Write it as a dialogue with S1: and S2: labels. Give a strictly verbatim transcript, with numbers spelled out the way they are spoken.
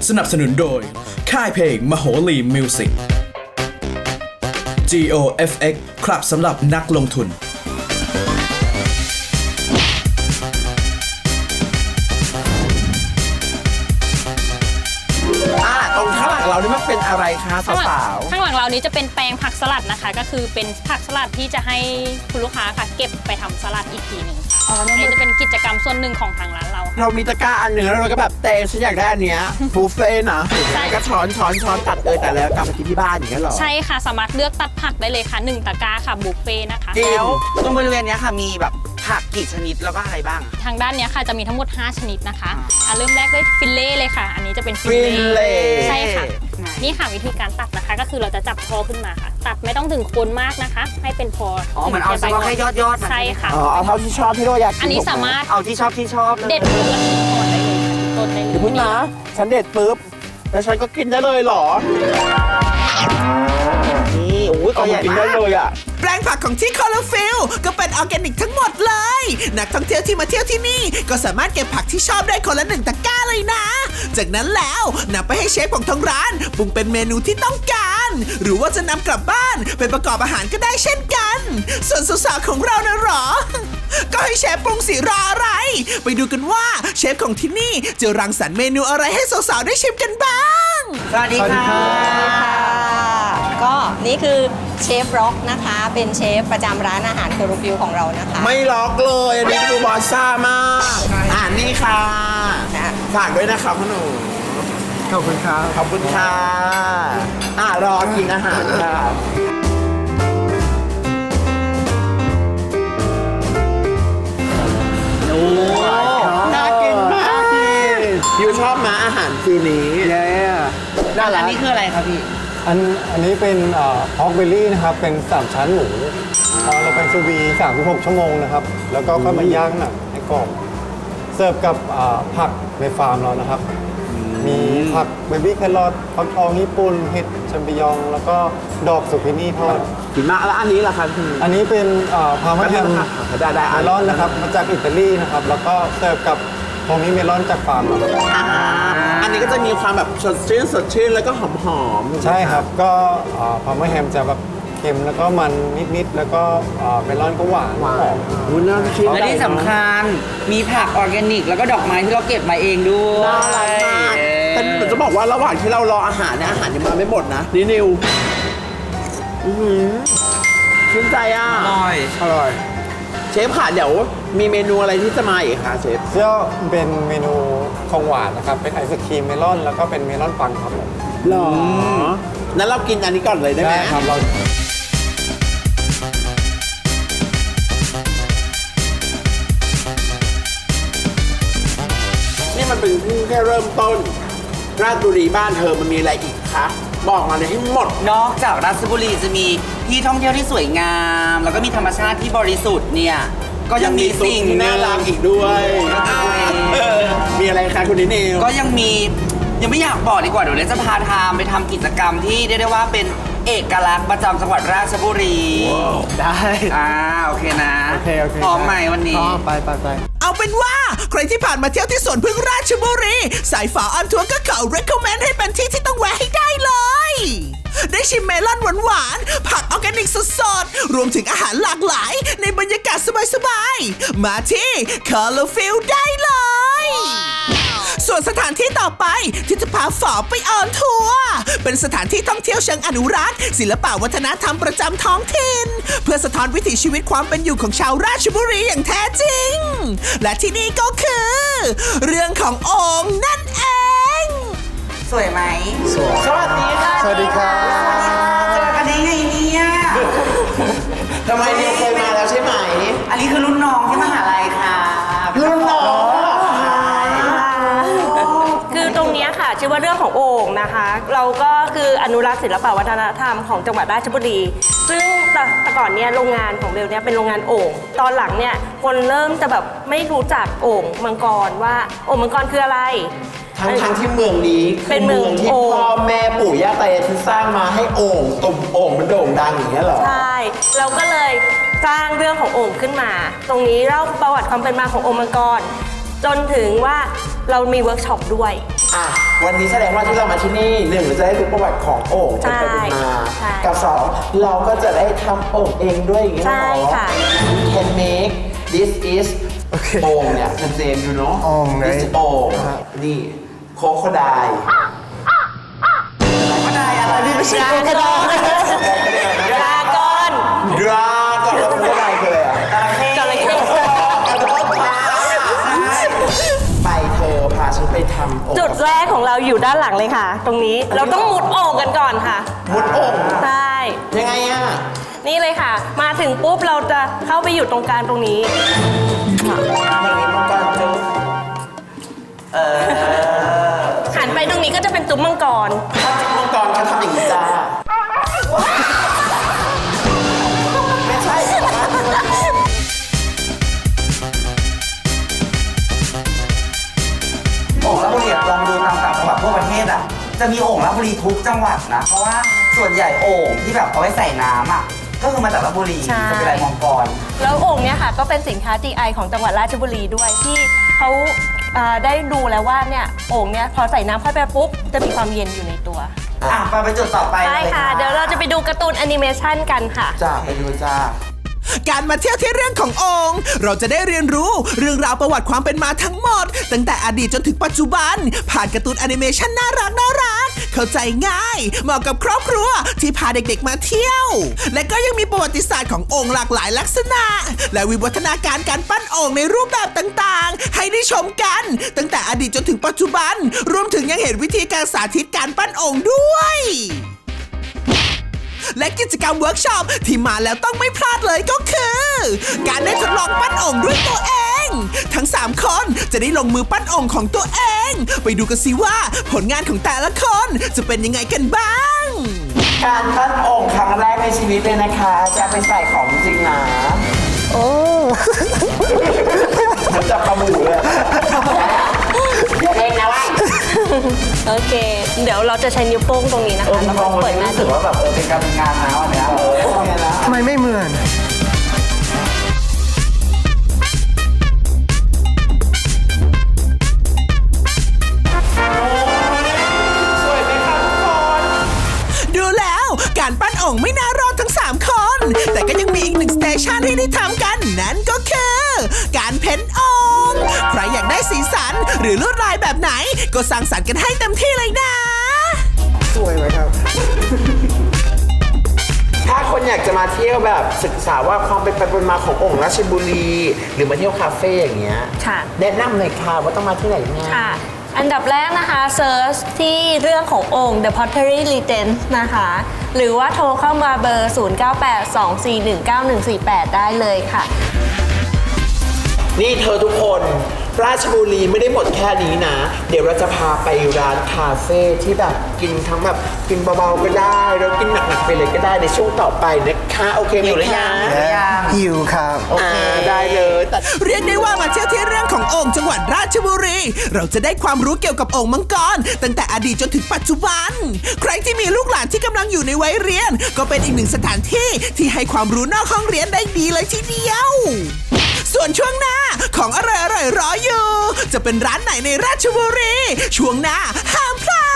S1: สนับสนุนโดยค่ายเพลงมโหรีมิวสิก จี โอ เอฟ เอ็กซ์ ครับสำหรับนักลงทุน
S2: เรานี่มันเป็นอะไรคะสาวๆ
S3: ข้างหลังเรานี้จะเป็นแปลงผักสลัดนะคะก็คือเป็นผักสลัดที่จะให้คุณลูกค้าค่ะเก็บไปทำสลัดอีกทีหนึ่งอ๋อนี่จะเป็นกิจกรรมส่วนหนึ่งของทางร้านเรา
S2: เรามีตะกร้าอันหนึ่งแล้วเราก็แบบเตะฉันอยากได้อันเนี้ยบุฟเฟ่นะใช่ก็ช้อนช้อนช้อนตัดเลยแต่แล้วกลับมากินที่บ้านอย่างเงี้ยหรอ
S3: ใช่ค่ะสามารถเลือกตัดผักได้เลยค่ะหนึ่งตะกร้าค่ะบุฟเฟ่นะคะ
S4: แล้วตรงบริเวณนี้ค่ะมีแบบผักกี่ชนิดแล้วก็อะไรบ้าง
S3: ทางด้านนี้ค่ะจะมีทั้งหมดห้าชนิดนะคะอ่ะเริ่มแรกด้วยฟิลเล่เลยค่ะอันนี้จะเป็น
S2: ฟิลเล่
S3: ใช่ค่ะนี่ค่ะวิธีการตัดนะคะก็คือเราจะจับพอขึ้นมาค่ะตัดไม่ต้องถึงโคนมากนะคะให้เป็นพอ
S4: อ๋อเหมือนเอาเฉพาะแค่ยอดยอด
S3: ใช่ค่ะ
S2: อ๋อเอาเท่าที่ชอบที่เราอยากกิน
S3: อันนี้สามารถ
S4: เอาที่ชอบที่ชอบ
S3: เด็ดลูกละชิ้นก่อนได้เลยค่ะต้นได้เลย
S2: เดี๋ยวพึ่งนะฉันเด็ดปุ๊บแล้วฉันก็กินได้เลยหรอนี่โอ้ยก็อยากกินได้เลยอ่ะ
S5: แปลงผักของที่คอลฟิลก็เป็นออร์แกนิกทั้งหมดเลยนักท่องเที่ยวที่มาเที่ยวที่นี่ก็สามารถเก็บผักที่ชอบได้คนละหนึ่งตะกร้าเลยนะจากนั้นแล้วนำไปให้เชฟของทางร้านปรุงเป็นเมนูที่ต้องการหรือว่าจะนำกลับบ้านไปประกอบอาหารก็ได้เช่นกันส่วนสาวๆของเรานะหรอก็ให้เชฟปรุงสิรออะไรไปดูกันว่าเชฟของที่นี่จะรังสรรค์เมนูอะไรให้สาวๆได้ชิมกันบ้าง
S4: สวัสดีค่ะ
S6: ก็นี่คือเชฟร็อกนะคะเป็นเชฟประจำร้านอาหารคอรูฟิวของเรานะคะ
S2: ไม่ล็อกเลยอันนี้คือบอสซ่ามากอ่านี่ค่ะฝากด้วยนะครับพ่อหนุ่มขอบคุณครับขอบคุณค่ะอ่ารอกินอาหารค่ะโอ้น่ากินมากยูชอบมาอาหารฟีนี้
S4: เย้ด้านหลังนี่คืออะไรครับพี่
S7: อันอันนี้เป็นพอกเบลลี่นะครับเป็นสามชั้นหมูเราเป็นซูวีสามสิบหกชั่วโมงนะครับแล้วก็เข้ามาย่างหนังให้กรอบเสิร์ฟกับผักในฟาร์มเรานะครับมีผักเบบี้แครอทฟักทองญี่ปุ่นเห็ดแชมปิญองแล้วก็ดอกสุกินี่ทอด
S2: กินมากแล้วอันนี้ล่ะครับ
S7: อันนี้เป็นพาร์มาแฮมเมลอนนะครับมาจากอิตาลีนะครับแล้วก็เสิร์ฟกับตรงนี้เมลอนจากฟาร์มเรา
S2: อันนี้ก็จะมีความแบบสดชื่นสดชื่นแล้วก็หอม
S7: ๆใช่ครับก็พาร์มาแฮมจะแบบเค็มแล้วก็มันนิดๆแล้วก็เมลอนก็หวานหอม
S2: วุ้นน่ากิน
S4: และที่สำคัญมีผักออร์แกนิกแล้วก็ดอกไม้ที่เราเก็บมาเองด้วย
S2: น่ารักมากแต่ผมจะบอกว่าระหว่างที่เรารออาหารเนี่ยอาหารยังมาไม่หมดนะนี่นิวอือหือชื่นใจอ่ะ
S4: อร่อย
S2: อร่อยเชฟค่ะเดี๋ยวมีเมนูอะไรที่จะมาอีกคะเชฟ
S7: ก็เป็นเมนูของหวานนะครับเป็นไอศครีมเมลอนแล้วก็เป็นเมลอนปังครับผม
S2: หรอนั้นเรากินอันนี้ก่อนเลยได้ไหม
S7: ครับเรา
S2: นี่มันเป็นเพิ่งแค่เริ่มต้นราชบุรีบ้านเธอมันมีอะไรอีกคะบอกมาเลยให้หมด
S4: นอกจากราชบุรีจะมีที่ท่องเที่ยวที่สวยงามแล้วก็มีธรรมชาติที่บริสุทธิ์เนี่ยก็ยังมีสิ่ง
S2: ที่น่ารักอีกด้วยมีอะไรคะคุณนิเนล
S4: ก็ยังมียังไม่อยากบอกดีกว่าเดี๋ยวเราจะพาทามไปทำกิจกรรมที่เรียกได้ว่าเป็นเอกลักษณ์ประจำจังหวัดราชบุรี
S2: ได้
S4: อ่าโอเคนะ
S7: โอเคโอเค
S4: พร้อมไหมวันนี้
S7: ไปไปไป
S5: เอาเป็นว่าใครที่ผ่านมาเที่ยวที่สวนพึ่งราชบุรีสายฝาออนทัวร์ก็ขอ recommend ให้เป็นที่ที่ต้องแวะให้ได้เลยได้ชิมเมลอนหวานๆผักออร์แกนิกสดๆรวมถึงอาหารหลากหลายในบรรยากาศสบายๆมาที่ Colorfield ได้เลยส่วนสถานที่ต่อไปที่จะพาฝอไปออนทัวร์เป็นสถานที่ท่องเที่ยวเชิงอนุรักษ์ศิลปวัฒนธรรมประจำท้องถิ่นเพื่อสะท้อนวิถีชีวิตความเป็นอยู่ของชาวราชบุรีอย่างแท้จริงและที่นี่ก็คือเรื่องของโอ่งนั่นเอง
S4: สวยไหม
S7: สวย
S2: สวัสดีค่ะ
S7: สวัสดีค่ะ
S4: เจอกันได้ไงเนี่ย
S2: ทำไมเนี่ยเคยมาแล้วใช่ไหม
S4: อันนี้คือรุ่นน้องที่มหาลัยค่ะ
S2: รุ่นน้อง
S8: คือตรงนี้ค่ะชื่อว่าเรื่องของโอ่งนะคะเราก็คืออนุรักษ์ศิลปวัฒนธรรมของจังหวัดราชบุรีซึ่งแต่ก่อนเนี่ยโรงงานของเบลเนี่ยเป็นโรงงานโอ่งตอนหลังเนี่ยคนเริ่มจะแบบไม่รู้จักโอ่งมังกรว่าโอ่งมังกรคืออะไร
S2: ทั้งทั้งที่เมืองนี้
S8: เป็นเมือง
S2: ที่พ่อแม่ปู่ย่าตายายที่สร้างมาให้โอ่งตุ่มโอ่งมันโด่งดังอย่างเงี้ยเหรอ
S8: ใช่เราก็เลยสร้างเรื่องของโอ่งขึ้นมาตรงนี้เล่าประวัติความเป็นมาของโอ่งมังกรจนถึงว่าเรามีเวิร์กช็อปด้วย
S2: อ่ะวันนี้แสดงว่าที่เรามาที่นี่หนึ่งเราจะได้รู้ประวัติของโอ่งเป็นไปเป็นมา
S8: ใช่
S2: กับสองเราก็จะได้ทำโอ่งเองด้วยอย่างนี้
S8: ใช่
S2: เนาะ
S8: ค่ะ
S2: We can make this is โอ่งเนี่ยเจมส์อยู่เนาะ
S7: โอ่งไหน
S2: this is โอ่งนี่โคโคได
S4: ก็ได้อะไรนี่ไม่ใช่
S8: ดราก้อนดราก้อน
S2: ดราก่อนแล้วโคโคไดคืออะไรอ่ะ
S8: จระเข้
S2: ขอโทษค่ะไปเธอพาฉันไปทำโอ่ง
S8: จุดแรกของเราอยู่ด้านหลังเลยค่ะ ตรงนี้เราต้องมุดโอ่งกันก่อนค่ะ
S2: มุดโอ่ง
S8: ใช่
S2: ยังไงอ่ะ
S8: นี่เลยค่ะ มาถึงปุ๊บเราจะเข้าไปอยู่ตรงกลางตรงนี้
S2: อย่างนี้มังกรจุ๊บ
S8: หันไปตรงนี้ก็จะเป็นจุ๊บมังกร
S2: ถ้าจุ๊บมังกรเขาทำอย่างนี้จ้าไม่ใช่
S4: โอ่งราชบุรีอะลองดูตามต่างจังหวัดทั่วประเทศอ่ะจะมีโอ่งราชบุรีทุกจังหวัดนะเพราะว่าส่วนใหญ่โอ่งที่แบบเอาไว้ใส่น้ำอ่ะก็คือมาจากราชบุรี
S8: ใช่
S4: จะเป็นลายมังกร
S8: แล้วโอ่งเนี้ยค่ะก็เป็นสินค้า จี ไอ ของจังหวัดราชบุรีด้วยที่เขาอ่าได้ดูแล้วว่าเนี่ยโอ่งเนี้ยพอใส่น้ำเข้าไปปุ๊บจะมีความเย็นอยู่ในตัว
S4: อ่ะไปไปจุดต่อไป
S8: ใช่
S4: เลย
S8: ค่ะ เดี๋ยวเราจะไปดูการ์ตูนแอนิเมชันกันค่ะ
S2: จ้าไปดูจ้า
S5: การมาเที่ยวที่เรื่องขององค์ เราจะได้เรียนรู้เรื่องราวประวัติความเป็นมาทั้งหมด ตั้งแต่อดีตจนถึงปัจจุบัน ผ่านการ์ตูนแอนิเมชันน่ารักน่ารักเข้าใจง่ายเหมาะกับครอบครัวที่พาเด็กๆมาเที่ยว และก็ยังมีประวัติศาสตร์ขององค์หลากหลายลักษณะ และวิวัฒนาการการปั้นองค์ในรูปแบบต่างๆ ให้ได้ชมกัน ตั้งแต่อดีตจนถึงปัจจุบัน รวมถึงยังเห็นวิธีการสาธิตการปั้นองค์ด้วย และกิจกรรมเวิร์กช็อปที่มาแล้วต้องไม่พลาดเลยก็คือ การได้ทดลองปั้นองค์ด้วยตัวเอง ทั้งสามคนจะได้ลงมือปั้นองค์ของตัวเอง ไปดูกันสิว่าผลงานของแต่ละคนจะเป็นยังไงกันบ้าง
S2: การปั้นโอ่งครั้งแรกในชีวิตเลยนะคะ จะไปใส่ของจริงนะโอ้มันจับปลาหมูเลยอย่าเองนะว่า
S8: โอเค เดี๋ยวเราจะใช้นิ้วโป้งตรงนี้นะ
S2: เออ
S8: คะ
S2: มั
S8: แล้
S2: น
S8: ว
S2: ม
S8: ก็
S2: อง
S8: เปิดหน้า
S2: รู้สึ
S8: ดิ
S2: กว่าแบบเออเป็นการเป็นงานนะวันเนี้ยเออเนี่ยนะ
S7: ทำไมไม่เหมือน
S2: สวยไหมคะทุกคน
S5: ดูแล้วการปั้นองค์ไม่น่ารอดทั้งสามคน แต่ก็ยังมีอีกหนึ่งสเตชันให้ได้ทำกัน นั่นก็คือ การเพ้นองค์ ใครอยากได้สีสันหรือลวดลายแบบไหน ก็สร้างสรรค์กันให้เต็มที่เลยนะ
S7: สวยไหมครับ
S2: ถ้าคนอยากจะมาเที่ยวแบบศึกษาว่าความเป็นไปเป็นมาของโอ่งราชบุรี หรือมาเที่ยวคาเฟ่อย่างเงี้ย
S8: ค่ะ
S2: แนะนำหน่อยค่ะว่าต้องมาที่ไหนเนี่ย
S8: ค่ะ อันดับแรกนะคะเซิร์ชที่เรื่องขององค์ The Pottery Regents นะคะ หรือว่าโทรเข้ามาเบอร์ ศูนย์ เก้า แปด สอง สี่ หนึ่ง เก้า หนึ่ง สี่ แปด ได้เลยค่ะ
S2: นี่เธอทุกคนราชบุรีไม่ได้หมดแค่นี้นะ เดี๋ยวเราจะพาไปร้านคาเฟ่ที่แบบกินทั้งแบบกินเบาๆก็ได้แล้วกินหนักๆไปเลยก็ได้ในช่วงต่อไปนะคะโอเคไหม
S4: หิวหรือ
S2: คะ
S4: ยัง
S7: หิวครับ
S2: อ่าได้เลยแต่
S5: เรียกได้ว่ามาเที่ยวที่เรื่องขององค์จังหวัดราชบุรี เราจะได้ความรู้เกี่ยวกับองค์มังกรตั้งแต่อดีตจนถึงปัจจุบัน ใครที่มีลูกหลานที่กำลังอยู่ในวัยเรียน ก็เป็นอีกหนึ่งสถานที่ที่ให้ความรู้นอกห้องเรียนได้ดีเลยทีเดียว ส่วนช่วงหน้าของอร่อยๆรออยู่ จะเป็นร้านไหนในราชบุรี ช่วงหน้าห้ามพลา